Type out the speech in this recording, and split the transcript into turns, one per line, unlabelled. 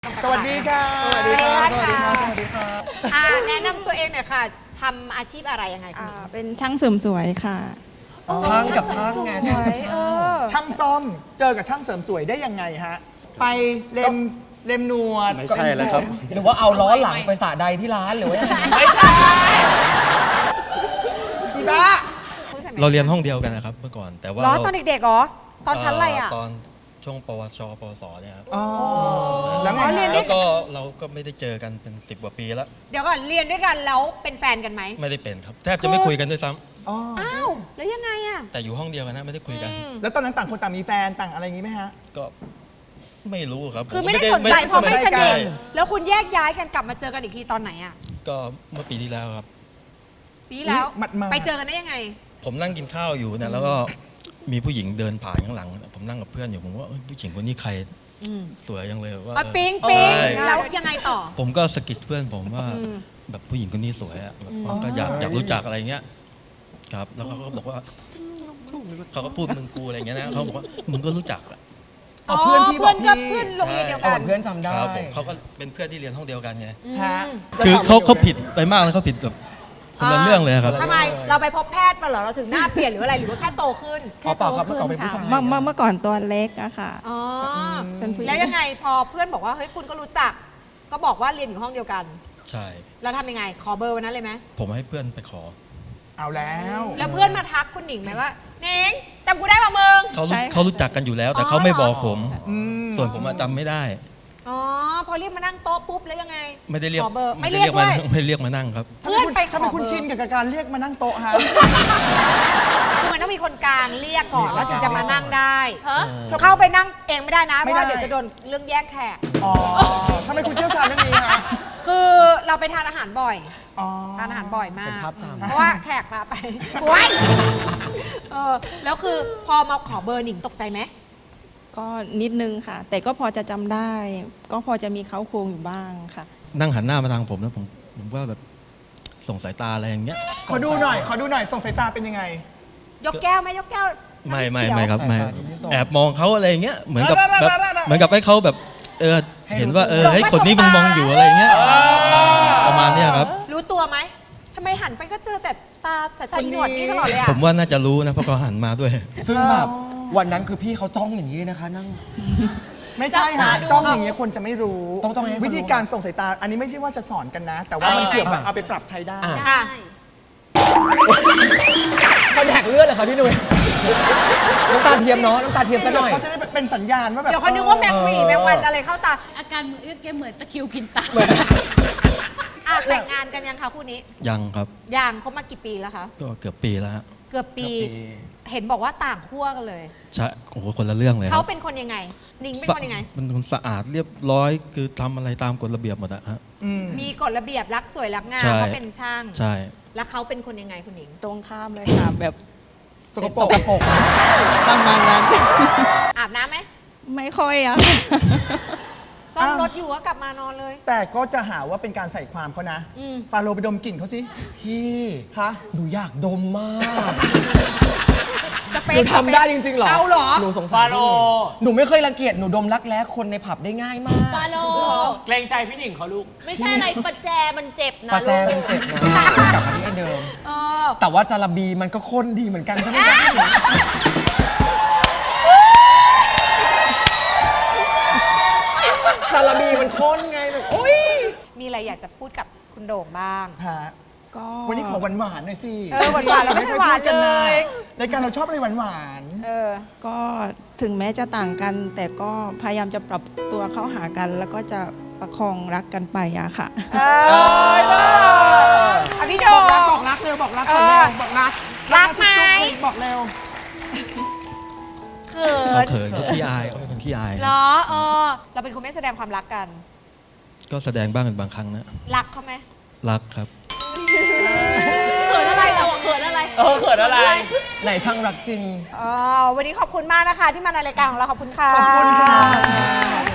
สวัสดีค่ะสวัสดีค่ะสวัสดีค่ะสวัสดีค่ะ
แนะนำตัวเองหน่อยค่ะทำอาชีพอะไรยังไงคะ
เป็นช่างเสริมสวยค่ะ
ช่างกับช่างไงช่างกับช่าง
ช่างซ่อมเจอกับช่างเสริมสวยได้ยังไงฮะไปเล็มหนวด
ไม่ใช่แล้วครับ
หรือว่าเอาล้อหลังไปสระใดที่ร้านหรือว่ายังไง
ไม่ใช่อีบ้า
เราเรียนห้องเดียวกันนะครับเมื่อก่อนแต่ว่า
ล้อตอนเด็กๆเหรอตอนชั้นอะไรอ่ะ
ตอนช่วงปวชปวสเนี่ยครับ
อ๋อแล้วไง
เรียน
แล้วก็เราก็ไม่ได้เจอกันเป็น10 กว่าปีแล้ว
เดี๋ยวก่อนเรียนด้วยกันแล้วเป็นแฟนกันไหม
ไม่ได้เป็นครับแทบจะไม่คุยกันด้วยซ้ำ
อ๋อ
อ้าวแล้วยังไงอ่ะ
แต่อยู่ห้องเดียวกันนะไม่ได้คุยกัน
แล้วตอนนั้นต่างคนต่างมีแฟนต่างอะไรอย่างงี้ไหมฮะ
ก็ไม่รู้ครับ
คือไม่ได้สนใจเพราะไม่ส
ไม่ได้
นิท
ใช่
แล้วคุณแยกย้ายกันกลับมาเจอกันอีกทีตอนไหนอ่ะ
ก็เมื่อปีที่แล้วครับ
ปีที่แล้ว
หมัดๆ
ไปเจอกันได้ยังไง
ผมนั่งกินข้าวอยู่เนี่ยแล้วก็มีผู้หญิงเดินผ่านข้างหลัง ผมนั่งกับเพื่อนอยู่ผมว่าเอ้ยผู้หญิงคนนี้ใครสวยจังเลยว่า
ปิ๊งปิ๊ง
ใช่
แล้วยังไงต่อ
ผมก็สะกิดเพื่อนผมว่าแบบผู้หญิงคนนี้สวยอะแบบผมก็อยากรู้จักอะไรเงี้ยครับแล้วเขาก็บอกว่าเขาก็พูดมึงกูอะไรเงี้ยนะเขาบอกว่ามึงก็รู้จักอะ
เอาเพื่อนพี่บอกพี่
เพื่อนโรงเรียนเดียว
เอา
กัน
เพื่อนจำได้
ครับผมเขาก็เป็นเพื่อนที่เรียนห้องเดียวกันไง
ฮะ
คือเขาผิดไปมากเลยเขาผิดแบบคนละเรื่องเลยครับ
ทำไมเราไปพบแพทย์มาเหรอเราถึงหน้าเปลี่ยนหรืออะไรหรือว่าแค่โตขึ้น
เอาเปล่าครับเมื่อก่อนเป็นผู้ชาย
เมื่อก่อนตัวเล็กอะค่ะ
อ๋อ
เป็นผู้หญิง
แล้วยังไงพอเพื่อนบอกว่าเฮ้ยคุณก็รู้จัก ก็บอกว่าเรียนอยู่ห้องเดียวกัน
ใช่
แล้วทำยังไงขอเบอร์วันนั้นเลยไหม
ผมให้เพื่อนไปขอ
เอาแล้ว
แล้วเพื่อนมาทักคุณหนิงไหมว่าหนิงจำกูได้ป่ะมึง
ใช่ค่ะ
เขารู้จักกันอยู่แล้ว แต่เขาไม่บอกผม
อืม
ส่วนผมอะจำไม่ได้
อ๋อพอเรียกมานั่งโต๊ะปุ๊บแล้วยังไง
ไม่ได้เรียก
ขอเบอร์ไม่
ด้
เรียกด้วย
ไม่ได้เรียกมานั่งครับ
เพื่อนไปขอ
ทำไมคุณ
เบอร์
ชินกับการเรียกมานั่งโต๊ะฮะ
คือมันต้องมีคนกลางเรียกก่อนแล้วถึงจะมานั่งได้
ฮะ
เข้าไปนั่งเองไม่ได้นะเพ
ไม่
ราะ
ได้
ว่าเดี๋ยวจะโดนเรื่องแย่งแขก
อ๋อทำไมคุณเชี่ยวชาญเรื่องนี้ฮะ
คือเราไปทานอาหารบ่อย
อ๋อ
ทานอาหารบ่อยมา
เป็น
ก
ภาพจำ
เพราะว่าแขกพาไปว้ายแล้วคือพอมาขอเบอร์หนิงตกใจไหม
ก็นิดนึงค่ะ แต่ก็พอจะจำได้ ก็พอจะมีเขาโครงอยู่บ้างค่ะ
นั่งหันหน้ามาทางผมแล้วผมว่าแบบส่งสายตาอะไรอย่างเงี้ย
ขอดูหน่อยส่งสายตาเป็นยังไง
ยกแก้วไหมยกแก้ว
ไม่
น้ำเขียว
ครับไม่
สายตาที่ส่ง
แอบมองเขาอะไรอย่างเงี้ยเหมือนกับแบบเหมือนกับให้เขาแบบเห็นว่าเฮ้ยคนนี้มึงมองอยู่อะไรอย่างเงี้ยประมาณเนี้ยครับ
รู้ตัวไหมทำไมหันไปก็เจอแต่ตาสายตาอีหนวดนี่ตลอดเลยอะ
ผมว่าน่าจะรู้นะเพราะเขาหันมาด้วย
ซึ่งแบบวันนั้นคือพี่เขาจ้องอย่างนี้เลยนะคะนั่ง
ไม่ใช่ฮะจ้องอย่างเงี้ยคนจะไม่รู้
ต้องให้คนรู้
วิธีการส่งสายตา อันนี้ไม่ใช่ว่าจะสอนกันนะ แต่ว่ามันเกี่ยวกับเอาไปปรับใช้ได้
ค่ะ
เขาแดกเลือดเหรอคะพี่หนุ่ยน้ำตาเทียมเนาะน้ำตาเทียมซะหน่อย
เขาจะได้เป็นสัญญาณว่าแบบ
เดี๋ยวเขานึกว่าแมงหวีแมงวันอะไรเข้าตา
อาการมือแกเหมือนตะคริวกินตา
แต่งงานกันยังคะคู่นี้
ยังครับ
ยังเขามากี่ปีแล้วคะ
ก็เกือบปีแล้วฮะ
เกือบปี เห็นบอกว่าต่างขั้วกันเลย
ใช่โอ้โหคนละเรื่องเลยค
เขา
รับ
เป็นคนยังไงหนิงเป็นคนยังไง
มันคนสะอาดเรียบร้อยคือทำอะไรตามกฎระเบียบหมดอะฮะ
มีกฎระเบียบรักสวยรักงาม
ใช่
เขาเป็นช่าง
ใช่
แล้วเขาเป็นคนยังไงคุณหนิง
ตรงข้ามเลยค่ะ แบบ
สกปรก
ประมาณนั้น
อาบน้ำไหม
ไม่ค่อยอะ
ซ่อมรถอยู่ก็กลับมานอนเลย
แต่ก็จะหาว่าเป็นการใส่ความเขานะ ฟาโรห์ไปดมกลิ่นเขาสิ
พี่
ฮะ
หนูอยากดมมาก
สเป
หนู
ค
ทำได้จริงๆเหรอ
เอาเหรอ
หนูสงสารพี่หนุ่ยหนูไม่เคยรังเกียจหนูดมรักแร้คนในผับได้ง่ายมาก
ฟาโล
เกรงใจพี่หนิงเขาลูก
ไม่ใช่อะไรประแจมันเจ็บนะ
ปลาแจ
ลู
มัน
ก
เจ็บนะกลับมาที่อันเดิม
เออ
แต่ว่าจาระบีมันก็ข้นดีเหมือนกันใช่ไหมคะจาระบีมันข้นไงแบบโอ๊ย
มีอะไรอยากจะพูดกับคุณโด่งบ้าง
ฮะ
ก็
วันนี้ขอหวานๆหน่อยสิ
หวานๆแล้วไม่หวาน
กัน
เล
นะ
ย
รายการเราชอบอะไรหวาน
เออ
ก็ถึงแม้จะต่างกัน แต่ก็พยายามจะปรับตัวเข้าหากัน แล้วก็จะประคองรักกันไปอะค่ะ
เอออ่ะพี่โด่
ๆ
ง
บอกรักเร็วบอกรักก่อนเร็วบอกรัก
รักไหม
จุ๊บๆบอกเร็ว
เขิ
เขา
น
เขินเขาขี้อายเขาเป็นคนขี้อาย
เหรอเราเป็นคนไม่แสดงความรักกัน
ก็แสดงบ้างเป็นบางครั้งนะ
รักเขาไหม
รักครับ
เขินอะไรเราอะเขินอะไร
เขินอะไร
ไหนช่างรักจริง
วันนี้ขอบคุณมากนะคะ ที่มาในรายการของเราขอบคุณค่ะ
ขอบคุณค่ะ